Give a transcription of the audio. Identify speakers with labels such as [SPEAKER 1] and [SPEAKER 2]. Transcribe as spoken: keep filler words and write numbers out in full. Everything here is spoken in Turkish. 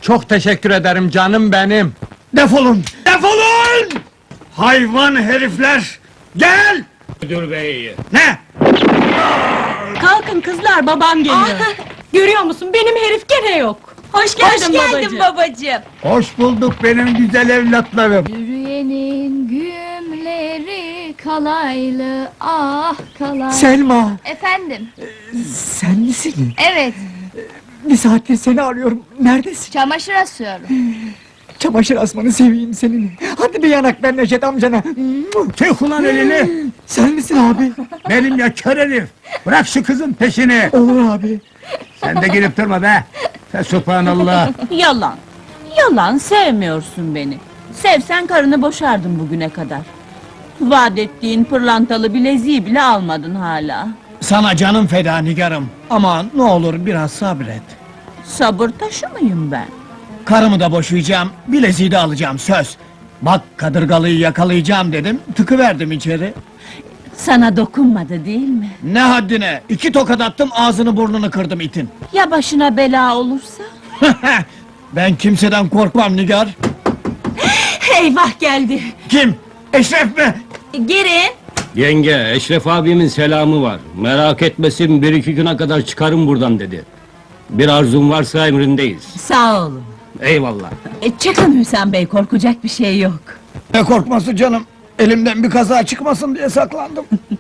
[SPEAKER 1] Çok teşekkür ederim canım benim.
[SPEAKER 2] Defolun! Defolun! Hayvan herifler! Gel!
[SPEAKER 3] Müdür bey!
[SPEAKER 2] Ne?
[SPEAKER 4] Kalkın kızlar, babam geliyor. Görüyor musun, benim herif gene yok. Hoş geldin,
[SPEAKER 5] Hoş geldin babacığım.
[SPEAKER 2] Hoş bulduk benim güzel evlatlarım.
[SPEAKER 6] Yürüyenin gümleri kalaylı, ah kalaylı.
[SPEAKER 7] Selma,
[SPEAKER 6] Efendim,
[SPEAKER 7] sen misin?
[SPEAKER 6] evet,
[SPEAKER 7] Bir saattir seni arıyorum. Neredesin?
[SPEAKER 6] çamaşır asıyorum.
[SPEAKER 7] Çamaşır asmanı seveyim senin. Hadi bir yanak ver Neşet amcana.
[SPEAKER 2] Çek ulan elini!
[SPEAKER 7] Sen misin abi?
[SPEAKER 2] Benim ya kör herif! Bırak şu kızın peşini!
[SPEAKER 7] Olur abi.
[SPEAKER 2] Sen de gelip durma be! Fesubhanallah!
[SPEAKER 4] Yalan, yalan, sevmiyorsun beni. Sevsen karını boşardın bugüne kadar. Vaat ettiğin pırlantalı bileziği bile almadın hala.
[SPEAKER 2] Sana canım feda nigarım! Ama ne olur biraz sabret!
[SPEAKER 4] Sabır taşı mıyım ben?
[SPEAKER 2] Karımı da boşayacağım, bileziği de alacağım, söz! Bak kadırgalıyı yakalayacağım dedim, tıkıverdim içeri.
[SPEAKER 4] Sana dokunmadı değil mi?
[SPEAKER 2] Ne haddine! İki tokat attım, ağzını burnunu kırdım itin!
[SPEAKER 4] Ya başına bela olursa?
[SPEAKER 2] Ben kimseden korkmam nigar!
[SPEAKER 4] Eyvah geldi!
[SPEAKER 2] Kim? Eşref mi?
[SPEAKER 4] Girin!
[SPEAKER 3] Yenge, Eşref abimin selamı var. Merak etmesin, bir iki güne kadar çıkarım buradan dedi. Bir arzun varsa emrindeyiz.
[SPEAKER 4] Sağ olun.
[SPEAKER 3] Eyvallah.
[SPEAKER 4] E, çıkın Hüsam Bey, korkacak bir şey yok.
[SPEAKER 2] Ne korkması canım? Elimden bir kaza çıkmasın diye saklandım.